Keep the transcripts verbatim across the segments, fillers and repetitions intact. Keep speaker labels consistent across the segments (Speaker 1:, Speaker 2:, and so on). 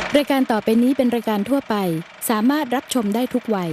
Speaker 1: รายการต่อไปนี้เป็นรายการทั่วไปสามารถรับชมได้ทุกวัย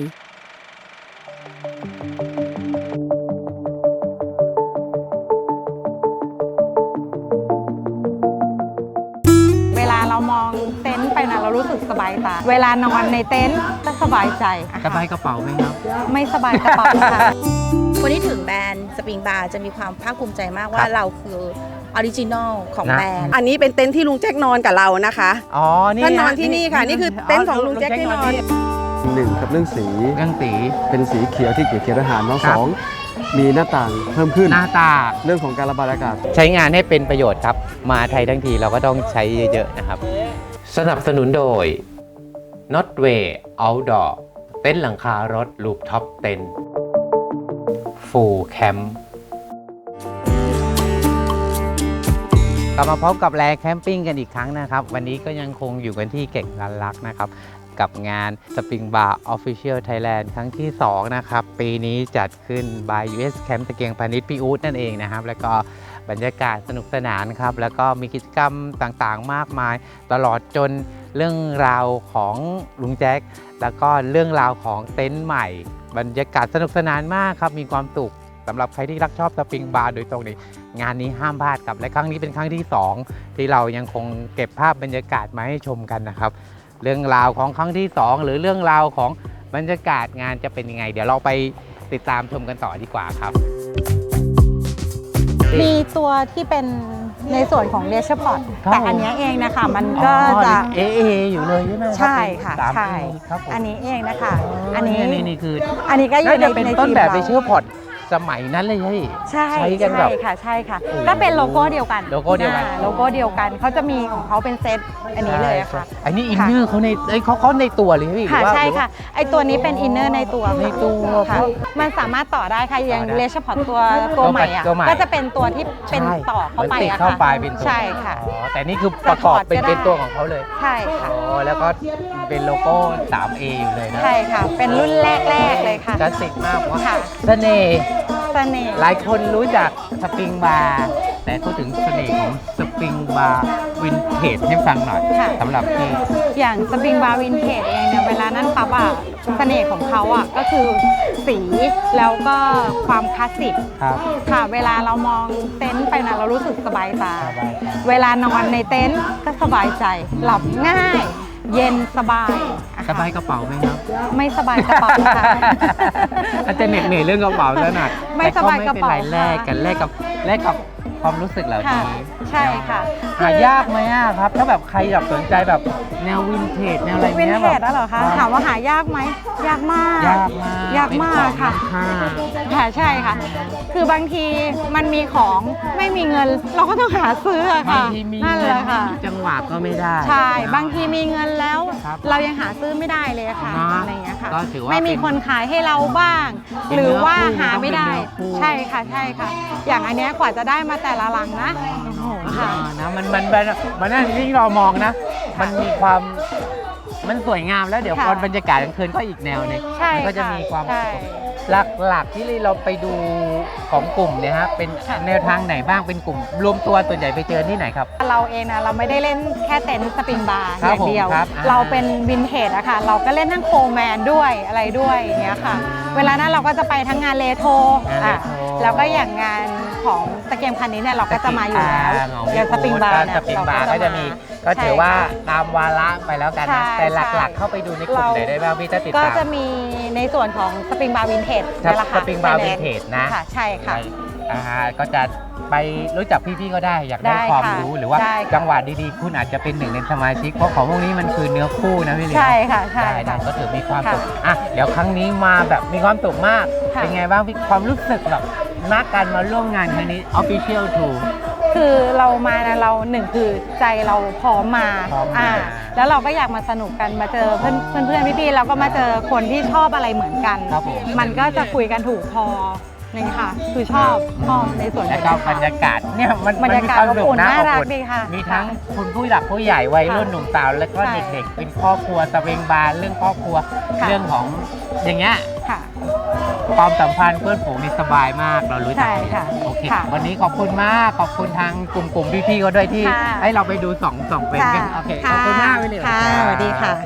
Speaker 2: เวลาเรามองเต็นท์ไปนะเรารู้สึกสบายตาเวลานอนในเต็นท์ก็สบายใจ
Speaker 3: สบายกระเป๋าไหมครับ
Speaker 2: ไม่สบายกระเป๋าค่ะ
Speaker 4: คนที่ถึงแบรนด์สปริงบาร์จะมีความภาคภูมิใจมากว่าเราคือออริจินอลของแบรนด์
Speaker 5: อันนี้เป็นเต็นท์ที่ลุงแจ็คนอนกับเรานะคะ
Speaker 3: อ๋อนี่
Speaker 5: ท่านนอนที่นี่ค่ะนี่คือเต็นท์ของลุงแจ็คที่นอน
Speaker 6: หนึ่งกับเรื่องสี
Speaker 3: เรื่องสี
Speaker 6: เป็นสีเขียวที่เกี่ยวเขียวอาหารน้องสองมีหน้าต่างเพิ่มขึ้น
Speaker 3: หน้าต่าง
Speaker 6: เรื่องของการระบายอากาศ
Speaker 3: ใช้งานให้เป็นประโยชน์ครับมาไทยทั้งทีเราก็ต้องใช้เยอะๆนะครับสนับสนุนโดย Notway Outdoor เต็นท์หลังคารถลูปท็อปเต็นท์ฟูลแคมป์กลับมาพบกับแลแคมปิ้งกันอีกครั้งนะครับวันนี้ก็ยังคงอยู่กันที่เก่งรันลักนะครับกับงาน Spring Bar Official Thailand ครั้งที่สองนะครับปีนี้จัดขึ้น by ยู เอส Camp ตะเกียงพาณิชย์พี่อู๊ดนั่นเองนะครับแล้วก็บรรยากาศสนุกสนานครับแล้วก็มีกิจกรรมต่างๆมากมายตลอดจนเรื่องราวของลุงแจ็คแล้วก็เรื่องราวของเต็นท์ใหม่บรรยากาศสนุกสนานมากครับมีความสุขสำหรับใครที่รักชอบสปริงบาร์โดยตรงนี้งานนี้ห้ามพลาดครับและครั้งนี้เป็นครั้งที่สองที่เรายังคงเก็บภาพบรรยากาศมาให้ชมกันนะครับเรื่องราวของครั้งที่สองหรือเรื่องราวของบรรยากาศงานจะเป็นยังไงเดี๋ยวเราไปติดตามชมกันต่อดีกว่าครับ
Speaker 2: มีตัวที่เป็นในส่วนของเลเชอร์พอร์ตแต่อันนี้เองนะคะมันก็จะ
Speaker 3: เอเออยู่เลยใช่ไหม
Speaker 2: ใช่ค่ะใช่อันนี้เองนะคะอันนี้นี่คืออันนี้ก็อยู่ใน
Speaker 3: เป็นต้นแบบเลเชอร์พอร์ตสมัยนั้นเลยใช่ใช้กันแบบ
Speaker 2: ใช่ค่ะใช่ค่ะก็เป็นโลโก้เดียวกัน
Speaker 3: โลโก้เดียวกัน
Speaker 2: โลโก้เดียวกันเขาจะมีของเขาเป็นเซตอันนี้เลยค่ะ
Speaker 3: อันนี้อินเนอร์เขาในเขาเขาในตัวเลยพี่
Speaker 2: ค่ะใช่ค่ะไอตัวนี้เป็นอินเนอร์ในตัว
Speaker 3: ในตัว
Speaker 2: ค่ะมันสามารถต่อได้ค่ะอย่างเลเชอร์พอร์ตตัวตัวใหม่อ่ะก็จะเป็นตัวที่เป็นต่อเข้าไปอะค่ะใช่ค่ะ
Speaker 3: แต่นี่คือประกอบเป็นเป็นตัวของเขาเลย
Speaker 2: ใช่ค่ะ
Speaker 3: แล้วก็เป็นโลโก้ ทรี เอ อยู่เลยนะ
Speaker 2: ใช่ค่ะเป็นรุ่นแรกๆเลยค่ะ
Speaker 3: คลาสสิกมากว่าเสน่ห์หลายคนรู้จักสปริงบาร์แต่พูดถึงเสน่ห์ของสปริงบาร์วินเทจให้ฟังหน่อยสำหรับที่
Speaker 2: อย่างสปริงบาร์วินเทจเองเนี่ยเวลานั้นปั๊บอ่ะเสน่ห์ของเขาอ่ะก็คือสีแล้วก็ความคลาสสิกค่ะเวลาเรามองเต็นท์ไปนะเรารู้สึกสบายตาเวลานอนในเต็นท์ก็สบายใจหลับง่ายเย็นสบาย
Speaker 3: สบายกระเป๋าไหมครับ
Speaker 2: ไม่สบายกระเป๋าค่ะ
Speaker 3: อาจจะเหน็ดเหนื่อยเรื่องกระเป๋าแล้วหนัก
Speaker 2: ไม่สบายกระเป๋า
Speaker 3: แลกกันแลกกับแลกกับความรู้สึกเหล่านี้
Speaker 2: ใช่ค่ะ
Speaker 3: หายากไหมครับถ้าแบบใครแบบสนใจแบบแนววินเทจแนวอะไรเงี้ย
Speaker 2: วินเทจแล้วเหรอคะถามว่าหายากไหมยากมาก
Speaker 3: ยากมาก
Speaker 2: ยากมากค่ะค่ะใช่ค่ะคือบางทีมันมีของไม่มีเงินเราก็ต้องหาซื้อค่ะ
Speaker 3: นั่นแหละค่ะจังหวะก็ไม่ได้
Speaker 2: ใช่บางทีมีเงินแล้วเรายังหาซื้อไม่ได้เลยค่ะอะไรเงี้ยค่ะไม่มีคนขายให้เราบ้างหรือว่าหาไม่ได้ใช่ค่ะใช่ค่ะอย่างอันนี้กว่าจะได้มาแต่ละลังนะโอ้โหค่ะ
Speaker 3: นะมันมันมันนั่นที่เรามองนะมันมีความมันสวยงามแล้วเดี๋ยวพอบรรยากาศกลางคืนก็อีกแนวนึงมันก็จะมีความหลักๆที่เราไปดูของกลุ่มเนี่ยฮะเป็นแนวทางไหนบ้างเป็นกลุ่มรวมตัวส่วนใหญ่ไปเจอที่ไหนครับ
Speaker 2: เราเองนะเราไม่ได้เล่นแค่เต็นท์สปริงบาร์อย่างเดียวเราเป็นวินเทจอะค่ะเราก็เล่นทั้งโคแมนด้วยอะไรด้วยอย่างเงี้ยค่ะเวลานั้นเราก็จะไปทั้งงานเลโทอ่ะแล้วก็อย่างงานของตะเกียงพันนี้เนี่ยเราก็จะมาอยู่แล้วอย่างสปริงบาร์เนี่ย
Speaker 3: สปริงบาร์ก็จะมีก็ถือว่าตามวาระไปแล้วกันนะแต่หลักๆเข้าไปดูในกลุ่มไหนได้บ้างพี่จะติดตาม
Speaker 2: ก็จะมีในส่วนของสปริงบาร์วินเทจ
Speaker 3: นี่แหละค่ะสปริงบาร์วินเทจนะ
Speaker 2: ใช่ค่ะ
Speaker 3: อ่าก็จะไปรู้จักพี่ๆก็ได้อยากได้ความรู้หรือว่าจังหวะดีๆคุณอาจจะเป็นหนึ่งในสมาชิกเพราะของพวกนี้มันคือเนื้อคู่นะพี่ลิ
Speaker 2: ใช่ค่ะใช่
Speaker 3: ได้ก็ถือมีความสุขอ่ะเดี๋ยวครั้งนี้มาแบบมีความสุขมากเป็นไงบ้างพี่ความรู้สึกแบบนักการมาร่วมงานครั้งนี้ Official ทู
Speaker 2: คือเรามานะเราหนึ่งคือใจเราพร้อมมาอ่าแล้วเราก็อยากมาสนุกกันมาเจอเพื่อนเพื่อนพี่ๆแล้วก็มาเจอคนที่ชอบอะไรเหมือนกันมันก็จะคุยกันถูกพอนี่ค่ะคือชอบชอบในส่วน
Speaker 3: แล้วก็บรรยากาศเนี่ยมัน
Speaker 2: บรรยากาศอบอุ่นน่ารักดีค่ะ
Speaker 3: มีทั้งคุณผู้หลักผู้ใหญ่วัยรุ่นหนุ่มสาวแล้วก็เด็กๆเป็นครอบครัวสปริงบาร์เรื่องครอบครัวเรื่องของอย่างเงี้ยความสัมพันธ์เพื่อนฝูงนี่สบายมากเรารู้จัก
Speaker 2: ใช่ค่ะ
Speaker 3: โอเค
Speaker 2: ค่ะ
Speaker 3: วันนี้ขอบคุณมากขอบคุณทางกลุ่มกลุ่มพี่ๆเขาด้วยที่
Speaker 2: ค่ะ
Speaker 3: ให้เราไปดูสองสองเป็นกันโอเคขอบคุณมากไปเลย
Speaker 2: ค่ะสวัสดีค่ะ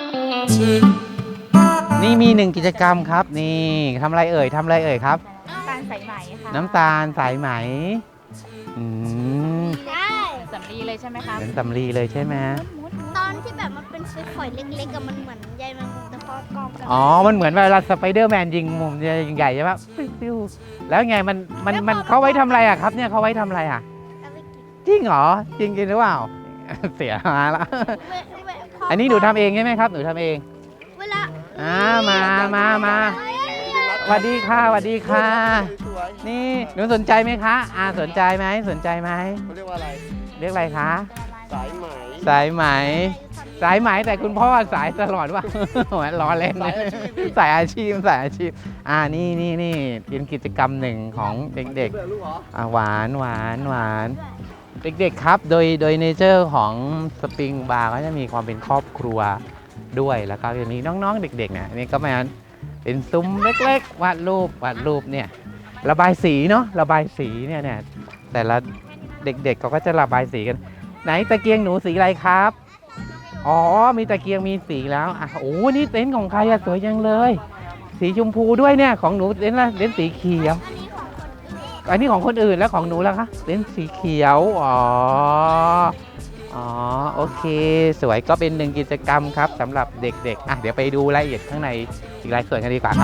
Speaker 3: นี่มีหนึ่งกิจกรรมครับนี่ทำอะไรเอ่ยทำอะไรเอ่ยครับ
Speaker 7: น้ำตาลสายไหมค่ะ
Speaker 3: น้ำตาลสายไหมอืม
Speaker 7: ได้
Speaker 2: สำลีเลยใช่ไหมคะ
Speaker 3: เป็นสำลีเลยใช่ไหม
Speaker 7: ตอนที่แบบมันเป็นฝอยๆเล็กๆกับมันเหมือนใยแมงมุมแต่พอกองกัน
Speaker 3: อ๋อมันเหมือนเวลาสไปเดอร์แมนยิงมุมใหญ่ๆใช่ปะปิ้วๆแล้วไงมันมันมันเขาไว้ทำอะไรอะครับเนี่ยเขาไว้ทำอะไรอะ
Speaker 7: เอาไปกิน
Speaker 3: จริงเหรอจริงจริงหรือเปล่า เสียมาละ
Speaker 7: เวเวพ
Speaker 3: อันนี้หนูทำเองใช่ไหมครับหนูทำเอง
Speaker 7: เวลา
Speaker 3: อ่ามามามาสวัสดีค่ะสวัสดีค่ะ นี่หนูสนใจไหมคะอ่าสนใจไหมสนใจไหม
Speaker 6: เขาเรียกว่าอะไร
Speaker 3: เรียกอะไรคะ
Speaker 6: สายไหม
Speaker 3: สายไหม สายไหมแต่คุณพ่อสายตลอดว่า ล้อเล่นเลยสายอาชีพสายอาชีพอ่านี่นี่นี่เป็นกิจกรรมหนึ่งของเด็กๆอ่าหวานหวานหวานเด็กๆครับโดยโดยเนเจอร์ของสปริงบาร์ก็จะมีความเป็นครอบครัวด้วยแล้วก็จะมีน้องๆเด็กๆเนี่ยนี่ก็มาเป็นซุ้มเล็กๆวาดรูปวาดรูปเนี่ยระบายสีเนาะระบายสีเนี่ยเนี่ยแต่ละเด็กๆเขาก็จะระบายสีกันไหนตะเกียงหนูสีอะไรครับ อ๋อ มีตะเกียงมีสีแล้วอ่ะโอ้นี่เต็นท์ของใครอะสวยจังเลย สีชมพูด้วยเนี่ยของหนูเต็นท์ละเต็นท์สีเขียว อันนี้ของคนอื่นแล้วของหนูล่ะคะเต็นท์สีเขียว อ๋อ อ๋อ โอเค สวยก็เป็นหนึ่งกิจกรรมครับสำหรับเด็กๆ อ่ะเดี๋ยวไปดูรายละเอียดข้างในอีกรายส่วนกันดีกว่าครับ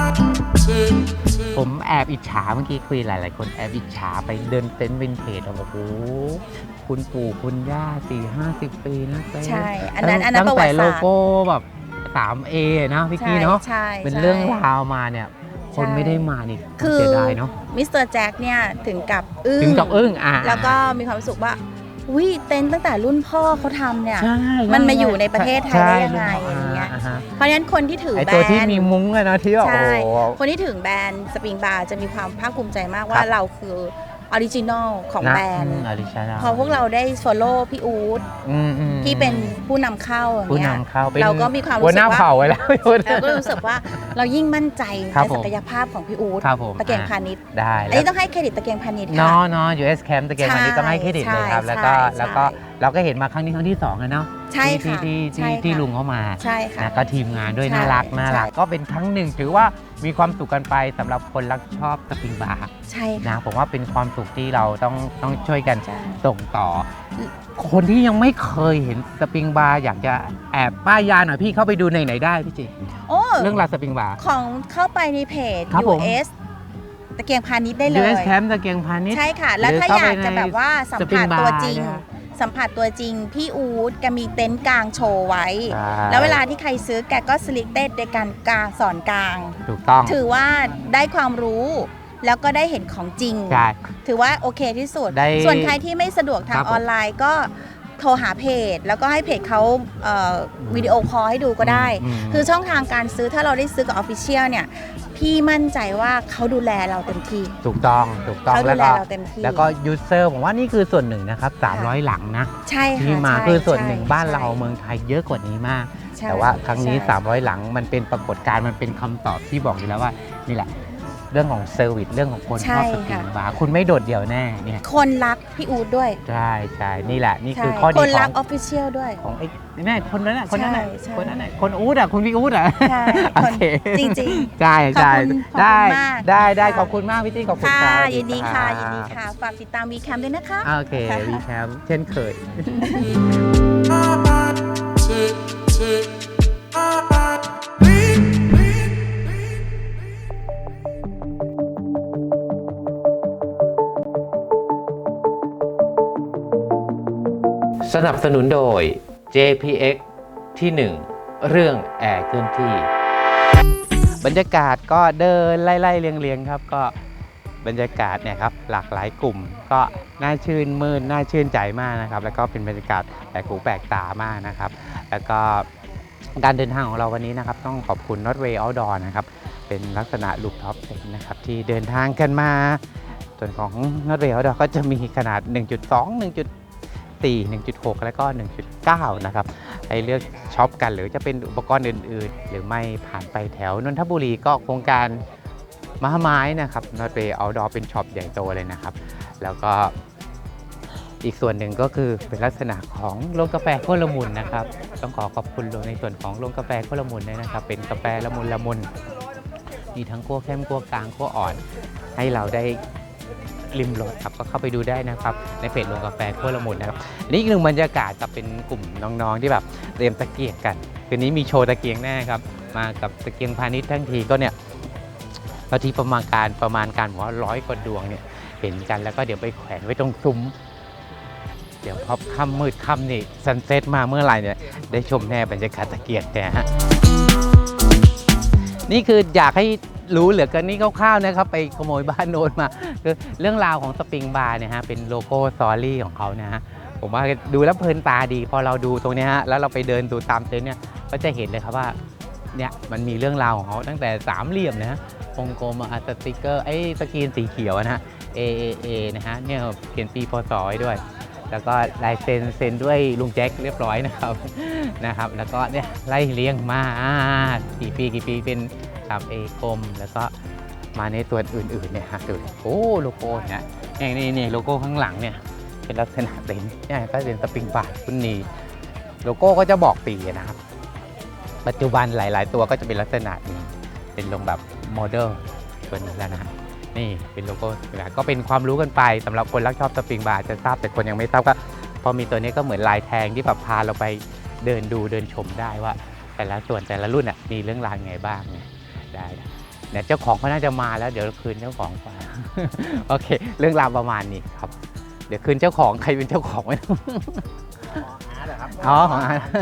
Speaker 3: ผมแอบอิจฉาเมื่อกี้คุยหลายๆคนแอบอิจฉาไปเดินเต็นท์วินเทจโอ้โหคุณปู่คุณย่าสี่ห้าสิบปีนะเต็นท์
Speaker 4: ใช่ อันนั้นอันนั้นป
Speaker 3: ตั้
Speaker 4: ระ
Speaker 3: ง
Speaker 4: วั
Speaker 3: แต่
Speaker 4: ติ
Speaker 3: โล
Speaker 4: ศาสตร์
Speaker 3: โก้แบบ สามเอ นะพี่กี้เนาะ
Speaker 4: ใช่ใช่
Speaker 3: เป็นเรื่องราวมาเนี่ย คนไม่ได้มานี่
Speaker 4: คือ
Speaker 3: เสียดายเนาะ
Speaker 4: มิสเตอร์แจ็คเนี่ยถึงกับอึ้ง
Speaker 3: ถึงกับอึ้งอ่ะ
Speaker 4: แล้วก็มีความรู้สึกว่าวิเต็นท์ตั้งแต่รุ่นพ่อเขาทำเนี่ย
Speaker 3: ใช่
Speaker 4: มันมาอยู่ในประเทศไทยได้ยังไง
Speaker 3: ใช่
Speaker 4: อย่างเงี้ย
Speaker 3: ฮะ
Speaker 4: เพราะฉะนั้นคนที่ถือ
Speaker 3: ไอ
Speaker 4: แบร
Speaker 3: ตัวที่
Speaker 4: นด์
Speaker 3: มีมุ้งอะเนาะที่ว่าโอ้
Speaker 4: ใช่
Speaker 3: โห
Speaker 4: คนที่ถือแบรนด์สปริงบาร์จะมีความภาคภูมิใจมากว่า
Speaker 3: ครับ
Speaker 4: เราคือออริจินอลของ
Speaker 3: นะ
Speaker 4: แบรนด์
Speaker 3: ออริจินัล
Speaker 4: พอพวกเราได้ follow พี่อู๊ด
Speaker 3: อืมอืม
Speaker 4: ที่เป็นผู้นำเข้าอย่าง
Speaker 3: ผู้
Speaker 4: เงี้ย
Speaker 3: นำเข้าเป็น
Speaker 4: เราก็มีความรู้
Speaker 3: หัว
Speaker 4: สึ
Speaker 3: หน้าก
Speaker 4: ว่า
Speaker 3: เผ่าไว้แล้ว
Speaker 4: เราก็รู้สึกว่าเรายิ่งมั่นใจ
Speaker 3: ครับ
Speaker 4: ใน
Speaker 3: ผม
Speaker 4: ศักยภาพของพี่อู๊ด
Speaker 3: ครับผม
Speaker 4: ตะเกียง
Speaker 3: อ่ะ
Speaker 4: พาณิชย์
Speaker 3: ได้
Speaker 4: อัน
Speaker 3: แล้ว
Speaker 4: นี้ต้องให้เครดิตตะเกียงพาณิชย์
Speaker 3: เนาะ
Speaker 4: ค่ะ
Speaker 3: เนาะ ยู เอส Camp ตะเกียงพันนี้ต้องให้เครดิตเลยครับ
Speaker 4: ใช่
Speaker 3: แล้วก็
Speaker 4: ใช่
Speaker 3: แล้วก็
Speaker 4: ใช่
Speaker 3: เราก็เห็นมาครั้งนี้ครั้งที่สองแล้วเนาะ
Speaker 4: ใช่
Speaker 3: ที่
Speaker 4: ค่ะ
Speaker 3: ที่
Speaker 4: ใช่
Speaker 3: ที่
Speaker 4: ค่ะ
Speaker 3: ที่ลุงเขามา
Speaker 4: ใช่ค่ะ
Speaker 3: นะก็ทีมงานด้วย
Speaker 4: ใช่
Speaker 3: น่ารักน่ารัก
Speaker 4: ใช่
Speaker 3: ก็เป็นครั้งหนึ่งถือว่ามีความสุขกันไปสำหรับคนรักชอบสปริงบาร์
Speaker 4: ใช่ค่ะ
Speaker 3: นะผมว่าเป็นความสุขที่เราต้องต้องช่วยกัน
Speaker 4: ใช่
Speaker 3: ส่งต่อ คนที่ยังไม่เคยเห็นสปริงบาร์อยากจะแอบป้ายยาหน่อยพี่เข้าไปดูในไหนได้พี่จิ
Speaker 4: โอ้
Speaker 3: เรื่องราวสปริงบาร์
Speaker 4: ของเข้าไปในเพจ
Speaker 3: ครับผม
Speaker 4: ยู เอส ตะเกียงพาณิชย์ได้เล
Speaker 3: ยู
Speaker 4: ย
Speaker 3: เอส Camp ตะเกียงพาณิชย์
Speaker 4: ใช่ค่ะ แล้ว
Speaker 3: หรือ
Speaker 4: ถ้า
Speaker 3: เข้า
Speaker 4: อยาก
Speaker 3: ไปใน
Speaker 4: จะแบบว่าสัม
Speaker 3: สปริ
Speaker 4: ผั
Speaker 3: ง
Speaker 4: ส
Speaker 3: บาร์
Speaker 4: ตัวจริง
Speaker 3: นะ
Speaker 4: สัมผัสตัวจริง พี่อู๊ดแกมีเต็นท์กลางโชว์ไว้
Speaker 3: ใช่
Speaker 4: แล้วเวลาที่ใครซื้อแกก็สลิกเต็ดในการกลางสอนกลาง
Speaker 3: ถูกต้อง
Speaker 4: ถือว่าได้ความรู้ แล้วก็ได้เห็นของจริง
Speaker 3: ใช่
Speaker 4: ถือว่าโอเคที่สุด
Speaker 3: ได้
Speaker 4: ส่วนใครที่ไม่สะดวกทา
Speaker 3: ค
Speaker 4: ง
Speaker 3: รับผม
Speaker 4: ออนไลน์ก็โทรหาเพจ แล้วก็ให้เพจเขาเอ่อวิดีโอคอลให้ดูก็ได้
Speaker 3: อืม
Speaker 4: คือช่องทางการซื้อถ้าเราได้ซื้อกับออฟฟิเชียลเนี่ย พี่มั่นใจว่าเขาดูแลเราเต็มที่
Speaker 3: ถูกต้องถูกต้อง
Speaker 4: เขาดู
Speaker 3: แล้ว
Speaker 4: แล
Speaker 3: ก็
Speaker 4: เราเต็มที่
Speaker 3: แล้วก็ยูเซอร์ผมว่านี่คือส่วนหนึ่งนะครับสามร้อยหลังนะ
Speaker 4: ใช่ค่ะ
Speaker 3: ที่มา
Speaker 4: ใช่
Speaker 3: คือส่วนหนึ่ง
Speaker 4: ใช่
Speaker 3: บ้านเรา
Speaker 4: ใช่
Speaker 3: เมืองไทยเยอะกว่านี้มาก
Speaker 4: ใช่
Speaker 3: แต่ว่าครั้งนี้
Speaker 4: ใช่
Speaker 3: สามร้อยหลังมันเป็นปรากฏการณ์มันเป็นคำตอบที่บอกอยู่แล้วว่านี่แหละ เรื่องของเซอร์วิสเรื่องของคนชอบสปริงบาร์คุณไม่โดดเดี่ยวแน่เนี่ย
Speaker 4: คนรักพี่อู๊ดด้วย
Speaker 3: ใช่ใช่นี่แหละนี่คือ
Speaker 4: ใช่
Speaker 3: ข้อดี
Speaker 4: คน
Speaker 3: ข
Speaker 4: รั
Speaker 3: อก ง
Speaker 4: ออฟฟิเชียลด้วย
Speaker 3: ของไอ้แม่คนนั้นน่ะคนนั้นน่ะ
Speaker 4: ใช่
Speaker 3: คนนั้นน่ะคนอู๊ดอ่ะคุณพี่อู๊ดอ่ะ
Speaker 4: ใช่
Speaker 3: โอ
Speaker 4: คน
Speaker 3: เค
Speaker 4: จริง
Speaker 3: ใช่ใช่
Speaker 4: ขอบคุณขอบคุณ
Speaker 3: ได้
Speaker 4: มาก
Speaker 3: ได้ได้
Speaker 4: ค่ะ
Speaker 3: ขอบคุณมากพี่ตี้ขอบ
Speaker 4: ๆ
Speaker 3: คุณ
Speaker 4: ค่ะ
Speaker 3: ครับ
Speaker 4: ยินดีค่ะ
Speaker 3: รับ
Speaker 4: ยินดีค่ะ ฝากติดตามวีแคมด้วยนะคะ
Speaker 3: โอเควีแคมเช่นเคย สนับสนุนโดย เจ พี เอ็กซ์ ที่ หนึ่ง เรื่องแอร์เคลื่อนที่ บรรยากาศก็เดินไล่ๆเรียงๆครับก็บรรยากาศเนี่ยครับหลากหลายกลุ่มก็น่าชื่นมื่นน่าชื่นใจมากนะครับแล้วก็เป็นบรรยากาศแปลกหูแปลกตามากนะครับแล้วก็การเดินทางของเราวันนี้นะครับต้องขอบคุณ Notway Outdoor นะครับเป็นลักษณะลูปท็อปเต็นท์นะครับที่เดินทางกันมาส่วนของ Notway Outdoor ก็จะมีขนาด หนึ่งจุดสอง หนึ่งจุดสี่ หนึ่งจุดหก แล้วก็ หนึ่งจุดเก้า นะครับให้เลือกช็อปกันหรือจะเป็นอุปกรณ์อื่นๆ หรือไม่ผ่านไปแถวนนทบุรีก็โครงการม้าไม้นะครับนอตเวย์เอาท์ดอร์เป็นช็อปใหญ่โตเลยนะครับแล้วก็อีกส่วนหนึ่งก็คือเป็นลักษณะของโรงกาแฟโคละมุนนะครับต้องขอขอบคุณในส่วนของโรงกาแฟโคละมุนด้วยนะครับเป็นกาแฟละมุนละมุนมีทั้งคั่วเข้มคั่วกลางคั่วอ่อนให้เราได้ริมรสครับก็เข้าไปดูได้นะครับในเพจโรงกาแฟโคละมุนนะครับนี่อีกหนึ่งบรรยากาศกับเป็นกลุ่มน้องๆที่แบบเตรียมตะเกียงกันคืนนี้มีโชว์ตะเกียงแน่ครับมากับตะเกียงพาณิชย์ทั้งทีก็เนี่ยบางทีประมาณการประมาณการว่าร้อยกว่าดวงเนี่ยเห็นกันแล้วก็เดี๋ยวไปแขวนไว้ตรงซุ้มเดี๋ยวพอค่ำมืดค่ำนี่ซันเซ็ตมาเมื่อไหร่เนี่ยได้ชมแน่บรรยากาศตะเกียงเนี่ยฮะนี่คืออยากให้รู้เหลือเกินนี่คร่าวๆนะครับไปขโมยบ้านโน้นมาคือเรื่องราวของสปริงบาร์เนี่ยฮะเป็นโลโก้สตอรี่ของเขานะฮะผมว่าดูแล้วเพลินตาดีพอเราดูตรงนี้ฮะแล้วเราไปเดินดูตามเต็นท์เนี่ยก็จะเห็นเลยครับว่าเนี่ยมันมีเรื่องราวของเขาตั้งแต่สามเหลี่ยมนะฮะวงกลมอาร์ตสติกเกอร์ไอ้สกรีนสีเขียวนะฮะ เอ เอ เอ นะฮะเนี่ยเขียนปีพศไว้ด้วยแล้วก็ลายเซ็นเซ็นด้วยลุงแจ็คเรียบร้อยนะครับนะครับแล้วก็เนี่ยไล่เลี้ยงมากี่ปีกี่ปีเป็นครับเอกลมแล้วก็มาในตัวอื่นๆเนี่ยฮะดูโอ้โลโก้เนี่ยนี่นี่โลโก้ข้างหลังเนี่ยเป็นลักษณะเต็นเนี่ยก็เป็นสปริงบาร์คุณนีโลโก้ก็จะบอกปีนะครับปัจจุบันหลายๆตัวก็จะเป็นลักษณะนี้เป็นลงแบบโมเดลตัวนี้แล้วนะนี่เป็นโลโก้ก็เป็นความรู้กันไปสำหรับคนรักชอบสปริงบาร์จะทราบแต่คนยังไม่ทราบก็พอมีตัวนี้ก็เหมือนลายแทงที่แบบพาเราไปเดินดูเดินชมได้ว่าแต่ละส่วนแต่ละรุ่นอ่ะมีเรื่องราวไงบ้างเนี่ยได้เนี่ยเจ้าของเขาน่าจะมาแล้วเดี๋ยวคืนเจ้าของไปโอเคเรื่องราวประมาณนี้ครับเดี๋ยวคืนเจ้าของใครเป็นเจ้าของไม่รู้อ๋อของอาร์ต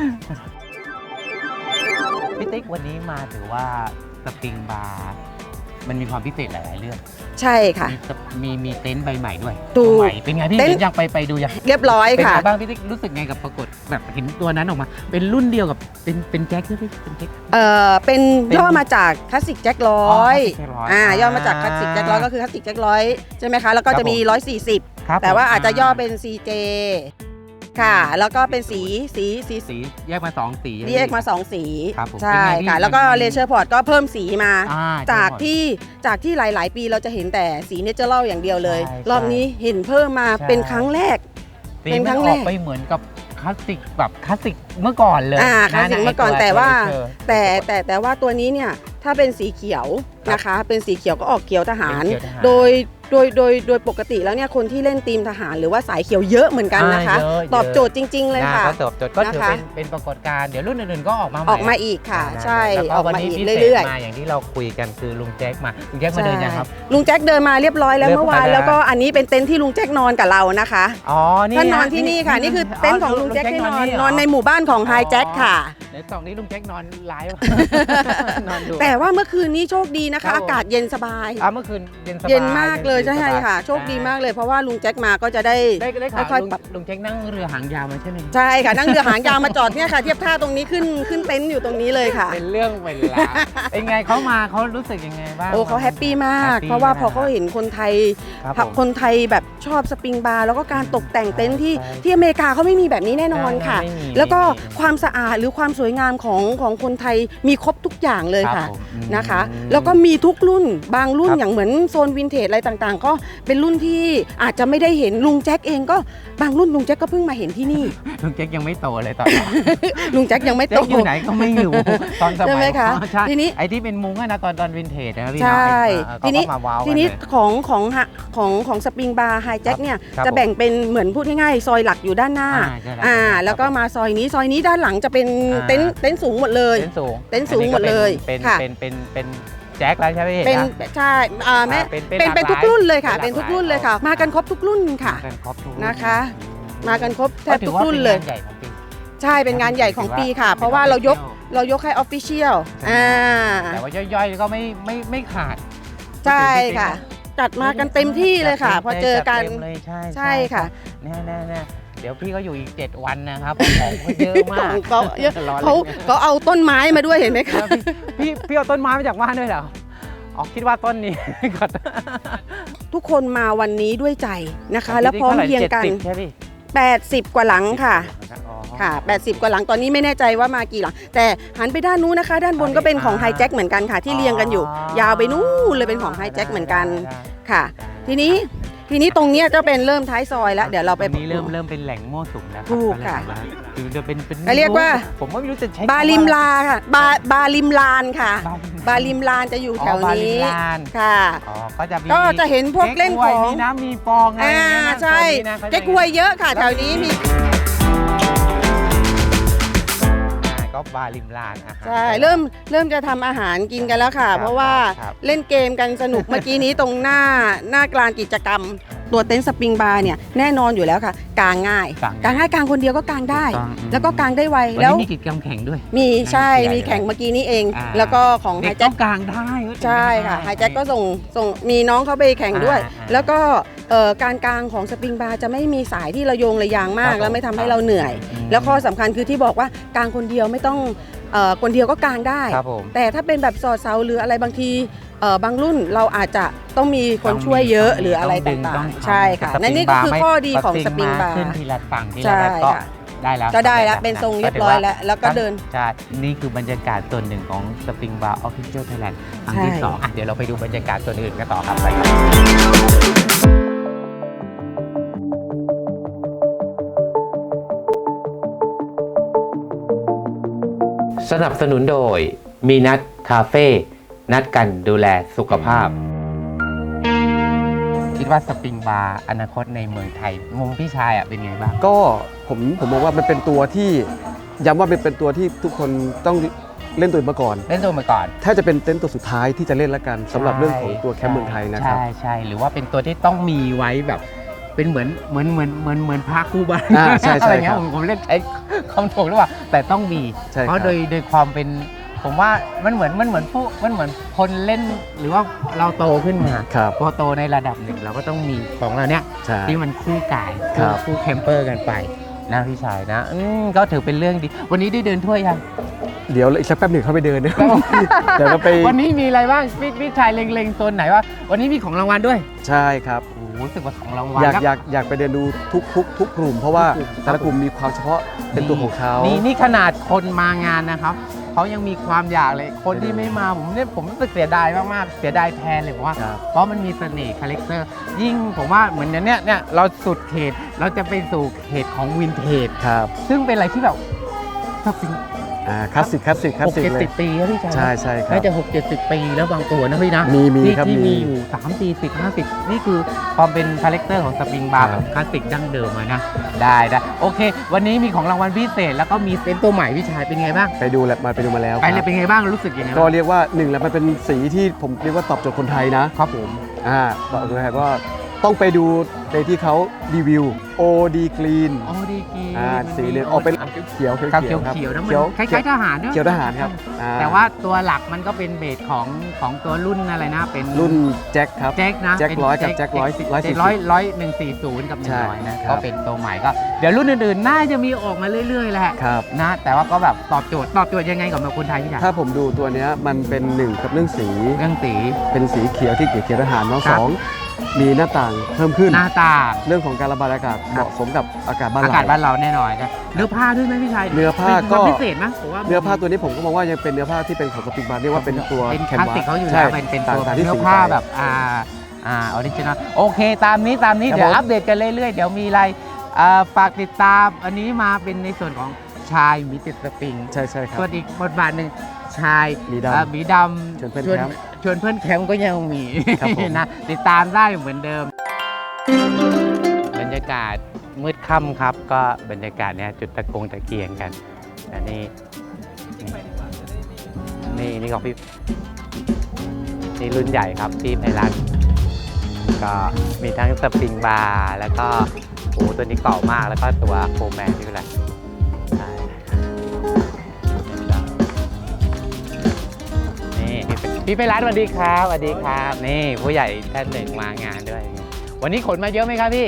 Speaker 3: พี่ติ๊กวันนี้มาถือว่าสปริงบาร์มันมีความพิเศษหลายๆเรื่อง
Speaker 5: ใช่ค่ะ
Speaker 3: มีมีเต็นท์ใบใหม่ด้วย
Speaker 5: ตัว
Speaker 3: ใหม่เป็นไงพี่อยากไปไปดูยัง
Speaker 5: เรียบร้อยค่ะ
Speaker 3: เป็นไงบ้างพี่ติ๊กรู้สึกไงกับปรากฏแบบเห็นตัวนั้นออกมาเป็นรุ่นเดียวกับเป็นเป็นแจ็คใช่ไหมเป็นแจ็ค
Speaker 5: เอ่อเป็นย่อมาจากคลาสสิกแจ็คร้อยอ่าย่อมาจากคลาสสิกแจ็คร้อยก็คือคลาสสิกแจ็คร้อยใช่ไหมคะแล้วก็จะมีหนึ่งร้อยสี่สิบแต่ว่าอาจจะย่อเป็น ซี เจ ค่ะแล้วก็เป็นสีสีสี
Speaker 3: สีแยกมาสองสี
Speaker 5: แยกมาสองสีใช่ค่ะแล้วก็เลเชอร์พอร์ตก็เพิ่มสีมาจากที่จากที่หลายๆปีเราจะเห็นแต่สีเนเจอรัลอย่างเดียวเลยรอบนี้เห็นเพิ่มมาเป็นครั้งแรก
Speaker 3: เป็นครั้งแรกไปเหมือนกับคลาสสิกแบบคลาสสิกเมื่อก่อนเลย
Speaker 5: อ่าคลาสสิกเมื่อก่อนแต่ว่าแต่แต่แต่ว่าตัวนี้เนี่ยถ้าเป็นสีเขียวนะคะเป็นสีเขียวก็ออกเขียวทหารโดยโดยโดยโดยปกติแล้วเนี่ยคนที่เล่นทีมทหารหรือว่าสายเขียวเยอะเหมือนกันนะคะตอบโจทย์จริงๆเลยค่ะ
Speaker 3: ตอบโจทย์ก็ถือเป็นเป็นปรากฏการณ์เดี๋ยวรุ่นอื่นๆก็ออกมา
Speaker 5: ออกมาอีกค่ะใช่ออกมาอีกเรื่อย
Speaker 3: ๆมาอย่างที่เราคุยกันคือลุงแจ็คมาลุงแจ็คมาเดินยังครับ
Speaker 5: ลุงแจ็คเดินมาเรียบร้อยแล้วเมื่อวานแล้วก็อันนี้เป็นเต็นท์ที่ลุงแจ็คนอนกับเรานะคะ
Speaker 3: อ๋อนี่
Speaker 5: ท่านนอนที่นี่ค่ะนี่คือเต็นท์ของลุงแจ็คที่นอนนอนในหมู่บ้านของไฮแจ็คค่ะ
Speaker 3: ในสองนี้ลุงแจ็คนอนไลฟ์
Speaker 5: นอนดูแต่ว่าเมื่อคืนนี้โชคดีนะคะอากาศเย็นสบาย
Speaker 3: อ่ะเมื่อคืนเย็นสบาย
Speaker 5: เย็นมากเลยใช่ค่ะโชคดีมากเลยเพราะว่าลุงแจ็คมาก็จะได้
Speaker 3: ค่อยๆปรับลุงแจ็คนั่งเรือหางยาวมาใช่ไหม
Speaker 5: ใช่ค่ะนั่งเรือหางยาวมาจอดเนี่ยค่ะเทียบท่าตรงนี้ขึ้นขึ้นเต็นท์อยู่ตรงนี้เลยค่ะ
Speaker 3: เป็นเรื่องเวลาเป็นไงเขามาเขารู้สึกยังไงบ้าง
Speaker 5: โอ้เขาแฮปปี้มากเพราะว่าพอเขาเห็นคนไทยคนไทยแบบชอบสปริงบาร์แล้วก็การตกแต่งเต็นท์ที่ที่อเมริกาเขาไม่มีแบบนี้แน่นอนค่ะแล้วก็ความสะอาดหรือความสวยงามของของคนไทยมีครบทุกอย่างเลยค่ะนะคะแล้วก็มีทุกรุ่นบางรุ่นอย่างเหมือนโซนวินเทจอะไรต่างๆก็เป็นรุ่นที่อาจจะไม่ได้เห็นลุงแจ็คเองก็บางรุ่นลุงแจ็คก็เพิ่งมาเห็นที่นี่
Speaker 3: ลุงแจ็คยังไม่โตเลยตอนนี้
Speaker 5: ลุงแจ็คยังไม่โต
Speaker 3: อยู่ไหนก็ไม่อยู่ตอนสมัย
Speaker 5: ใช่ไหมคะ
Speaker 3: ทีนี้ไอ้ที่เป็นมุ้งนะตอนตอนวินเทจนะพี่
Speaker 5: ใช่ทีนี้ทีนี้
Speaker 3: ข
Speaker 5: องของของของสปริงบาร์ไฮแจ็คเนี่ยจะแบ่งเป็นเหมือนพูดง่ายๆซอยหลักอยู่ด้านหน้าอ่าแล้วก็มาซอยนี้ซอยนี้ด้านหลังจะเป็นเต็นท์เต็นท์สูงหมดเลย
Speaker 3: เต็นท์สูง
Speaker 5: เต็นท์สูงหมดเลย
Speaker 3: ค่ะเป็นเป็นเป็นแจ็คแล้วใช่ไหม
Speaker 5: เป็นใช่อ่าแม่เป็นเป็นทุกรุ่นเลยค่ะเป็นทุกรุ่นเลยค่ะมากันครบทุกรุ่นค่ะนะคะมากันครบแทบทุกรุ่นเลยใช่เป็นงานใหญ่ของปีค่ะเพราะว่าเรายกเรายกให้ออฟฟิเชียลอ่า
Speaker 3: แต่ว่าย่อยๆก็ไม่ไม่ไม่ขาด
Speaker 5: ใช่ค่ะจัดมากันเต็มที่เลยค่ะพอเจอกันใช่ค่ะ
Speaker 3: แน่ๆเดี๋ยวพี่ก็อยู่อีกเจ็ดวันนะครับของเขาเยอะมาก
Speaker 5: เขาเขาเขาเอาต้นไม้มาด้วยเห็นไหมคะ
Speaker 3: พี่พี่เอาต้นไม้มาจากบ้านด้วยเหรออ๋อคิดว่าต้นนี้ก่อน
Speaker 5: ทุกคนมาวันนี้ด้วยใจนะคะแล้วพร้อมเพียงกันแปดสิบกว่าหลังค่ะ
Speaker 3: อ๋อ
Speaker 5: ค่ะแปดสิบกว่าหลังตอนนี้ไม่แน่ใจว่ามากี่หลังแต่หันไปด้านนู้นนะคะ ด้านบนก็เป็นของไฮแจ็คเหมือนกันค่ะ ที่เรียงกันอยู่ ยาวไปนู้นเลยเป็นของไฮแจ็คเหมือนกันค่ะ ทีนี้ทีนี้ตรงเนี้ยจะเป็นเริ่มท้ายซอยแล้วเดี๋ยวเราไป
Speaker 3: ตรงนี้เริ่มเริ่มเป็นแหล่งมั่วสุมแล้วรับ
Speaker 5: ถูกค่ะ
Speaker 3: คือจะเป็นเป็น
Speaker 5: เรียกว่า
Speaker 3: ผมว่าไม่รู้จะใช้
Speaker 5: บาริมลาค่ะบาบาริมลานค่ะ
Speaker 3: บา
Speaker 5: บาริมลานจะอยู่แถว
Speaker 3: อ๋อบาริ
Speaker 5: นี้
Speaker 3: มลาน
Speaker 5: ค่ะ
Speaker 3: อ๋อก็จะมี
Speaker 5: ก็จะเห็นพวกเล่นของ
Speaker 3: มีน้ำมีฟองอะไร
Speaker 5: อ่า
Speaker 3: อย่างเงี้ยนะ
Speaker 5: ใช่
Speaker 3: ตรงนี้นะ
Speaker 5: เก๊กฮวยเยอะค่ะแถวนี้มี
Speaker 3: ก็บาริมลานอาหาร
Speaker 5: ใช่เริ่มเริ่มจะทำอาหารกินกันแล้วค่ะ
Speaker 3: ครับ
Speaker 5: เพราะว่า
Speaker 3: ครับ
Speaker 5: เล่นเกมกันสนุก เมื่อกี้นี้ตรงหน้าหน้ากลานกิจกรรม ตัวเต็นท์สปริงบาร์เนี่ยแน่นอนอยู่แล้วค่ะกางง่าย
Speaker 3: กาง
Speaker 5: กางง่ายกางคนเดียวก็กางได้
Speaker 3: ถูกต้องอืม
Speaker 5: แล้วก็กางได้ไว
Speaker 3: วัน
Speaker 5: แล้ว
Speaker 3: นี้มีกิจกรรมแข่งด้วย
Speaker 5: มีใช่
Speaker 3: นั่งเชียร์
Speaker 5: มีแข่ง
Speaker 3: อยู่
Speaker 5: เมื่อกี้นี้เอง
Speaker 3: อ่า
Speaker 5: แล้วก็ของไฮ
Speaker 3: เด็ก
Speaker 5: แจ็
Speaker 3: ต้
Speaker 5: ค
Speaker 3: องกลางได้เว้ย
Speaker 5: ใช่ค่ะไฮแจ็คก็ส่งส่งมีน้องเขาไปแข่งด้วย
Speaker 3: อ่าอ่า
Speaker 5: แล้วก็เอ่อการกางของสปริงบาร์จะไม่มีสายที่ระโยงระยางมา
Speaker 3: ครั
Speaker 5: ก
Speaker 3: บ
Speaker 5: แล้วไม่ทำให้เราเหนื่อย
Speaker 3: อืม
Speaker 5: แล้วข้อสำคัญคือที่บอกว่ากางคนเดียวไม่ต้องเอ่อคนเดียวก็กางได้
Speaker 3: ครับผม
Speaker 5: แต่ถ้าเป็นแบบสอดเสาหรืออะไรบางทีเอ่อบางรุ่นเราอาจจะต้องมีคน
Speaker 3: ต้องมี
Speaker 5: ช่วยเยอะ
Speaker 3: ต้องมี
Speaker 5: หรืออะไร
Speaker 3: ต้องดึง
Speaker 5: ต่า
Speaker 3: ต้อง
Speaker 5: ง
Speaker 3: ทำ
Speaker 5: ๆ ใช่ค่ะ
Speaker 3: แต่
Speaker 5: นั่นนี่ก็คือ
Speaker 3: สปริงบาร์
Speaker 5: ข้อดีของ
Speaker 3: ไม่
Speaker 5: สปริงบาร์
Speaker 3: ขึ้นทีละฝั่งที
Speaker 5: ใช่
Speaker 3: ละแบบก็
Speaker 5: ค่ะ
Speaker 3: ได้แล้ว
Speaker 5: ก็ได้แล้ว
Speaker 3: สำ
Speaker 5: เป็นทรง
Speaker 3: ะ
Speaker 5: เรียบร้อยแล้วแล้วก็เดิน
Speaker 3: ใช่นี่คือบรรยากาศส่วนหนึ่งของสปริงบาร์ออฟฟิเชียลไทยแลนด์ครั้งที่
Speaker 5: ใช่
Speaker 3: สองอ่ะเดี๋ยวเราไปดูบรรยากาศส่วนอื่นกันต่อครับไปครับสนับสนุนโดยมีนัดคาเฟ่นัดกันดูแลสุขภาพ คิดว่าสปริงบาร์อนาคตในเมืองไทย มุมพี่ชายอ่ะเป็นไงบ้าง
Speaker 6: ก็ผมผมมองว่ามันเป็นตัวที่ย้ำว่าเป็นเป็นตัวที่ทุกคนต้องเล่นตัวมาก่อน
Speaker 3: เล่นตัวมาก่อน
Speaker 6: ถ้าจะเป็นเต็นท์ตัวสุดท้ายที่จะเล่นแล้วกันสำหรับเรื่องของตัวแคมป์เมืองไทยนะครับ
Speaker 3: ใช่ใช่หรือว่าเป็นตัวที่ต้องมีไว้แบบ เป็นเหมือนเหมือนเหมือนเหมือนเหมือนพระคู่บ้าน
Speaker 6: อ่าใช่ใช่
Speaker 3: อะไรเงี้
Speaker 6: ค
Speaker 3: ย
Speaker 6: รับ
Speaker 3: ผมผมเล่นใช้คำถูกหรือเปล่าแต่ต้องมี
Speaker 6: ใช่ครับ
Speaker 3: เพราะโดยโดยความเป็นผมว่ามันเหมือนมันเหมือนผู้มันเหมือนคนเล่นหรือว่าเราโตขึ้นมา
Speaker 6: ครับ
Speaker 3: พอโตในระดับหนึ่งเราก็ต้องมีของเราเนี้ย
Speaker 6: ใช่
Speaker 3: ที่มันคู่กาย
Speaker 6: ครั
Speaker 3: คู่
Speaker 6: บ
Speaker 3: คู่แคมเปอร์กันไปนะพี่ชายนะอืมก็ถือเป็นเรื่องดี วันนี้ได้เดินทั่วยัง
Speaker 6: เดี๋ยวอีกสักแป๊บหนึ่งเข้าไปเดินนะ เดี๋ยวเราไป
Speaker 3: วันนี้มีอะไรบ้างพี่พี่ชายเล็งๆโซนไหนว่า วันนี้มีของรางวัลด้วย
Speaker 6: ใช่ครับ
Speaker 3: โอ้โหรู้สึกว่าของรางวัล
Speaker 6: อยาก
Speaker 3: แล้ว
Speaker 6: อยากอยากไปเดินดูทุกทุกทุกกลุ่ม เพราะว่า
Speaker 3: ทุกกลุ่ม
Speaker 6: แต่ละกลุ่มมีความเฉพาะเป็นตัวของเขา
Speaker 3: นี่นี่ขนาดคนมางานนะครับเขายังมีความอยากเลย คนที่ไม่มาผมเนี่ยผมรู้สึกเสียดายมากๆเสียดายแทนเลยผมว่า
Speaker 6: ครับ
Speaker 3: เพราะมันมีเสน่ห์คาแรคเตอร์ยิ่งผมว่าเหมือนเนี้ยเนี่ยเราสุดเขตเราจะไปสู่เขตของวินเทจ
Speaker 6: ครับ
Speaker 3: ซึ่งเป็นอะไรที่แบบสปริง
Speaker 6: อ่าคลาสสิกคลาสสิกคลา
Speaker 3: ห
Speaker 6: ส
Speaker 3: ก
Speaker 6: สิก
Speaker 3: เจ็ด
Speaker 6: เล
Speaker 3: สิ
Speaker 6: ย
Speaker 3: บปีแล้วพี่ชาย
Speaker 6: ใช่ใช่ครับ
Speaker 3: น่าจะหกเจ็ดสิบปีแล้วบางตัวนะพี่นะ
Speaker 6: มีมี
Speaker 3: ที่
Speaker 6: ครับ
Speaker 3: ที่
Speaker 6: มี
Speaker 3: มีอยู่สามสี่สิบห้าสิบนี่คือความเป็นคาแรคเตอร์ของสปริงบาร์
Speaker 6: ค
Speaker 3: แบ
Speaker 6: รับบ
Speaker 3: คลาสสิกดั้งเดิมอะนะได้ได้โอเค วันนี้มีของรางวัลพิเศษแล้วก็มีเต็นท์ตัวใหม่พี่ชายเป็นไงบ้าง
Speaker 6: ไปดูแลวมาไปดูมาแล้ว
Speaker 3: ไปเล
Speaker 6: ครั
Speaker 3: ย
Speaker 6: บ
Speaker 3: เป็นไงบ้างรู้สึกยังไง
Speaker 6: ก็
Speaker 3: บ้าง
Speaker 6: เรียกว่าหนึ่งแล้วมันเป็นสีที่ผมเรียกว่าตอบโจทย์คนไทยนะครับ
Speaker 3: ผม
Speaker 6: อ่าตอบโจทย์คนไทยก็ต้องไปดูในที่เขารีวิว โอ ดี Clean
Speaker 3: อ๋อดีกี
Speaker 6: อ่าสีเหลืองออกเป็นเขียวเขียว
Speaker 3: ครับ
Speaker 6: เขี
Speaker 3: เขี
Speaker 6: ย
Speaker 3: ยว ว
Speaker 6: ครับ
Speaker 3: เขียวนะมันคล้ายๆทหารเนอะ
Speaker 6: เขียวทหารครับอ่
Speaker 3: แต่ว่าตัวหลักมันก็เป็นเบสของของตัวรุ่นอะไรนะ เป็น
Speaker 6: รุ่นแจ็คครับ
Speaker 3: แจ็คนะ
Speaker 6: แจ็ค
Speaker 3: เป็น
Speaker 6: ร้อยกับแจ็คร้อยร้อยสี่สิบ
Speaker 3: ร้อยร้อยหนึ่งสี่ศูนย์กับหนึ่
Speaker 6: ใช่
Speaker 3: งร้อยนะครับ ก็เป็นตัวใหม่ก็เดี๋ยวรุ่นอื่นๆน่าจะมีออกมาเรื่อยๆแหละ
Speaker 6: ครับ
Speaker 3: นะแต่ว่าก็แบบตอบโจทย์ตอบโจทย์ยังไงกับคนไทยพี่ชาย
Speaker 6: ถ้าผมดูตัวเนี้ยมันเป็นหนึ่งกับเรื่องสี
Speaker 3: เรื่องสี
Speaker 6: เป็นสีเขียวที่เขียวทหารเน้อง
Speaker 3: ครั
Speaker 6: ส
Speaker 3: บ
Speaker 6: องมีหน้าต่างเพิ่มขึ้น
Speaker 3: หน้าตา
Speaker 6: เรื่องของการระบายอากาศเหมาะสมกับอากาศบ้าน
Speaker 3: อา
Speaker 6: เรา
Speaker 3: กาศบ้านเราแน่นอนนะเนื้อผ้าด้วยไหมพี่ชาย
Speaker 6: เนื้อผ้า
Speaker 3: เป็น
Speaker 6: ก็
Speaker 3: ความพิเศษไหมผมว่า
Speaker 6: เนื้อผ้าตัวนี้ผมก็มองว่ายังเป็นเนื้อผ้าที่เป็นของสปริงบาร์เรียกว่าเป็นตัว
Speaker 3: เป็น
Speaker 6: แค
Speaker 3: คน ลาส
Speaker 6: วา
Speaker 3: สิก
Speaker 6: ส
Speaker 3: เขาอยู่
Speaker 6: ใช่
Speaker 3: แล้วเป็นเป็นตัว
Speaker 6: ต่างๆที่
Speaker 3: เนื้อ
Speaker 6: สี
Speaker 3: ผ้า
Speaker 6: ไป
Speaker 3: แบบอ่าอ่าออริจินอลโอเคตามนี้ตามนี้
Speaker 6: ครับ
Speaker 3: เดี๋ยว
Speaker 6: ผม
Speaker 3: อัปเดตกันเรื่อยๆ เดี๋ยวมีอะไรอ่าฝากติดตามอันนี้มาเป็นในส่วนของชายมีติดสปริง
Speaker 6: ใช่ใช่ครับ
Speaker 3: ส่วนอีกบทบาทหนึ่งชาย
Speaker 6: หมีดำ
Speaker 3: อ่าหมีดำ
Speaker 6: ชวนเพื่อน
Speaker 3: ชวน
Speaker 6: แคมป์
Speaker 3: ชวนเพื่อนแคมป์ก็ยังมี
Speaker 6: ครับผม
Speaker 3: นะติดตามได้เหมือนเดิม บรรยากาศมืดค่ำครับ ก็บรรยากาศเนี้ยจุดตะกงตะเกียงกันอันนี้นี่นี่ของพี่นี่รุ่นใหญ่ครับพี่ไพรัตน์ก็มีทั้งสปริงบาร์แล้วก็โอ้ตัวนี้เก่ามากแล้วก็ตัวโฟร์แมนนี่เป็นไรใช่นี่พี่ไพรัตน์สวัสดีครับสวัสดีครับนี่ผู้ใหญ่ท่านหนึ่งมางานด้วย วันนี้ขนมาเยอะไหมครับพี่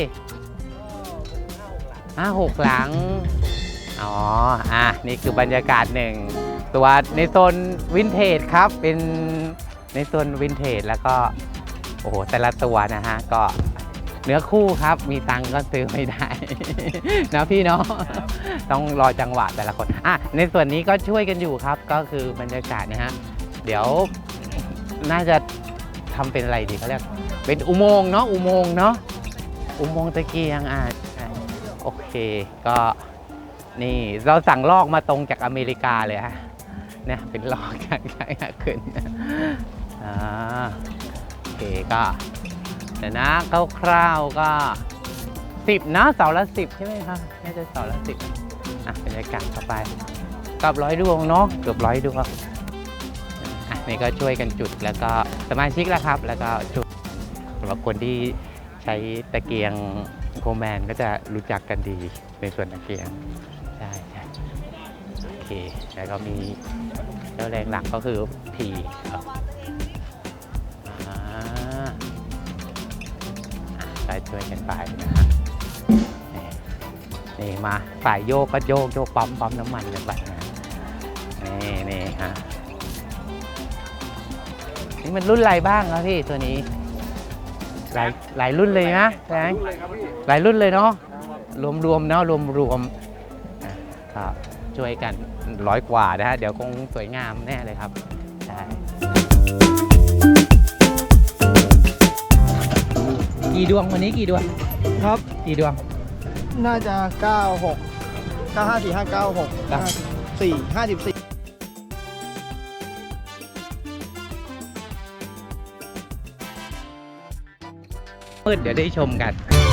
Speaker 3: ห้าหกหลัง อ๋อ อ่ะ นี่คือบรรยากาศหนึ่ง ตัวในโซนวินเทจครับ เป็นในโซนวินเทจแล้วก็ โอ้โห แต่ละตัวนะฮะ ก็เนื้อคู่ครับมีตังค์ก็ซื้อไม่ได้ นะพี่เนาะต้องรอจังหวะแต่ละคนอ่ะในส่วนนี้ก็ช่วยกันอยู่ครับก็คือบรรยากาศนะฮะเดี๋ยวน่าจะทำเป็นอะไรดีเขาเรียกเป็นอุโมงค์เนาะอุโมงค์เนาะอุโมงค์ตะเกียงอ่ะโอเคก็นี่เราสั่งลอกมาตรงจากอเมริกาเลยฮะเนี่ยเป็นลอกจากจากขึ้นอ่าโอเคก็เดี๋ยวนะคร่าวๆก็สิบนะเสาละสิบใช่ไหมครับน่าจะเสาละสิบอ่ะบรรยากาศเข้าไปกับร้อยดวงเนาะเกือบร้อยดวงอ่ะนี่ก็ช่วยกันจุดแล้วก็สมาชิกแล้วครับแล้วก็จุดสำหรับคนที่ใช้ตะเกียงโคแมนก็จะรู้จักกันดีในส่วนตะเกียงใช่ใช่โอเคแล้วก็มีเจ้าแรงหลักก็คือพีครับก็ช่วยกันไปนะฮะนี่มาฝ่ายโยกก็โยกโยกปั๊มปั๊มน้ำมันกันไปนะนี่นี่ฮะนี่มันรุ่นอะไรบ้างครับพี่ตัวนี้หลายหลายรุ่นเลยนะแสงหลายรุ่นเลยเนาะรวมๆเนาะรวมๆครับช่วยกันร้อยกว่านะฮะเดี๋ยวคงสวยงามแน่เลยครับใช่กี่ดวงวันนี้กี่ดวงครับกี่ดวง
Speaker 8: น่าจะเก้าหก เก้าห้าสี่ห้าเก้าหก สี่ ห้าสิบสี่
Speaker 3: มืดเดี๋ยวได้ชมกัน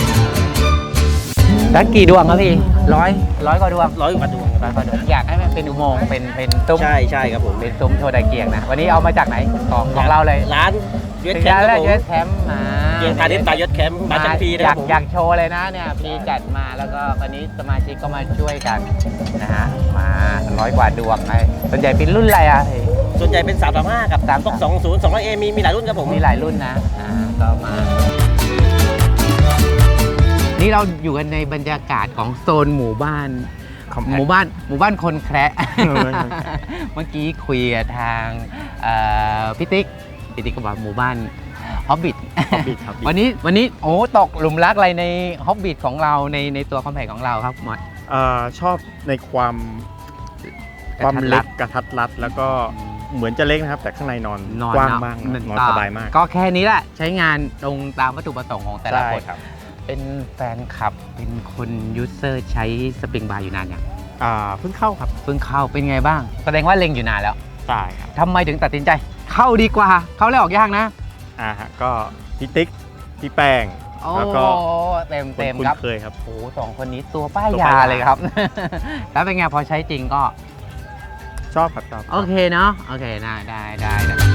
Speaker 3: สักกี่ดวงครับพี่ร้อยร้อยกว่าดวงร้อยกว่าดวงร้อยกว่าดวงอยากให้มันเป็นอุโมงค์เป็นเป็นซุ้มใช่ใช่ครับผมเป็นซุ้มโชว์ตะเกียงนะวันนี้เอามาจากไหนของของเราเลยร้านยศแคมป์ครับผมยศแคมป์มาเกียงพาณิชย์ตายศแคมป์มาจากพีนะครับผมอยากโชว์เลยนะเนี่ยพีจัดมาแล้วก็วันนี้สมาชิกก็มาช่วยกันนะฮะมาร้อยกว่าดวงไอ้ส่วนใหญ่เป็นรุ่นอะไรอ่ะส่วนใหญ่เป็นสามสามห้ากับสามสองศูนย์สองร้อยเอมีมีหลายรุ่นครับผมมีหลายรุ่นนะอ่าก็มานี่เราอยู่กันในบรรยากาศของโซนหมู่บ้านหมู่บ้านหมู่บ้านคนแคระเมื่อกี้คุยกับทางพี่ติ๊กพี่ติ๊กก็บอกหมู่บ้านฮอบบิทวันนี้วันนี้โอ้ตกหลุมรักอะไรในฮอบบิทของเราในในตัวคอมแพคของเราครับหมด
Speaker 9: ชอบในความความเล็กกระทัดรัดแล้วก็เหมือนจะเล็กนะครับแต่ข้างในนอนกว้างมากนอนสบายมาก
Speaker 3: ก็แค่นี้แหละใช้งานตรงตามวัตถุประสงค์ของแต่ละคนเป็นแฟนคลับเป็นคนยูเซอร์ใช้สปริงบาร์อยู่นานยัง
Speaker 9: อ่าเพิ่งเข้าครับ
Speaker 3: เพิ่งเข้าเป็นไงบ้างแสดงว่าเล็งอยู่นานแล้ว
Speaker 9: ใช่ครับ
Speaker 3: ทำไมถึงตัดสินใจเข้าดีกว่าเข้าแล้วออกยากนะ
Speaker 9: อ่าฮะก็พี่ติ๊กพี่แป้งแล้วก็
Speaker 3: เต็มเต็มครับ
Speaker 9: เคยครับ
Speaker 3: โอ้สองคนนี้ตัวป้ายยาเลยครับแล้วเป็นไงพอใช้จริงก็
Speaker 9: ชอบครับชอบ
Speaker 3: โอเคเนาะโอเคได้ได้ได้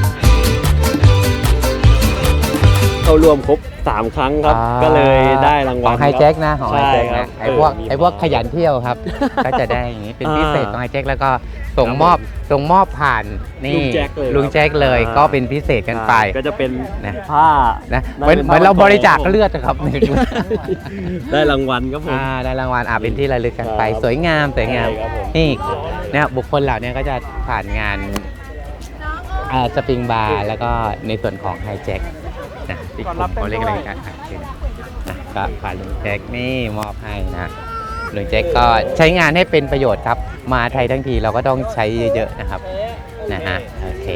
Speaker 6: เข้ารวมครบสามครั้งครับก็เลยได้รางวัล
Speaker 3: ของไฮแจ็คนะของไฮแจ็คนะไอพวกไอพวกขยันเที่ยวครับก็จะได้อย่างนี้เป็นพิเศษของไฮแจ็คแล้วก็ส่งมอบส่งมอบผ่านนี่ลุงแจ็คเลยก็เป็นพิเศษกันไป
Speaker 6: ก็จะเป็นผ้า
Speaker 3: นะเหมือนเหมือนเราบริจาคเลือดครับ
Speaker 6: ได้รางวัลครับผม
Speaker 3: ได้รางวัลอ่าเป็นที่ระลึกกันไปสวยงามสวยงามนี่เนี่ยบุคคลเหล่านี้ก็จะผ่านงานสปริงบาร์แล้วก็ในส่วนของไฮแจ็คนะที่เขาเรียกอะไรกันนะก็ผ่านลุงแจ็คนี่มอบให้นะลุงแจ็คก็ใช้งานให้เป็นประโยชน์ครับมาไทยทั้งทีเราก็ต้องใช้เยอะๆนะครับนะฮะโอเค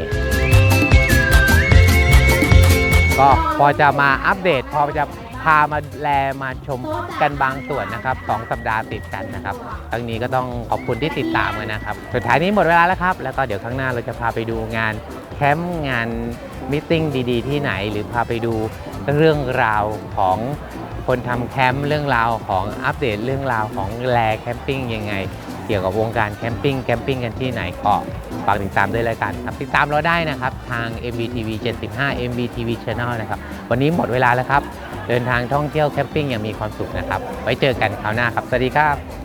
Speaker 3: ก็พอจะมาอัปเดตพอจะพามาแลมาชมกันบางส่วนนะครับสองสัปดาห์ติดกันนะครับครั้งนี้ก็ต้องขอบคุณที่ติดตามกันนะครับสุดท้ายนี้หมดเวลาแล้วครับแล้วก็เดี๋ยวข้างหน้าเราจะพาไปดูงานแคมป์งานมิทติ้งดีๆที่ไหนหรือพาไปดูเรื่องราวของคนทำแคมป์เรื่องราวของอัปเดตเรื่องราวของแลแคมปิ้งยังไงเกี่ยวกับวงการแคมปิ้งแคมปิ้งกันที่ไหนก็ฝากติดตามด้วยแล้วกันครับติดตามเราได้นะครับทาง เอ็ม บี ที วี เจ็ดสิบห้า เอ็ม บี ที วี Channel นะครับวันนี้หมดเวลาแล้วครับเดินทางท่องเที่ยวแคมปิ้งอย่างมีความสุขนะครับไว้เจอกันคราวหน้าครับสวัสดีครับ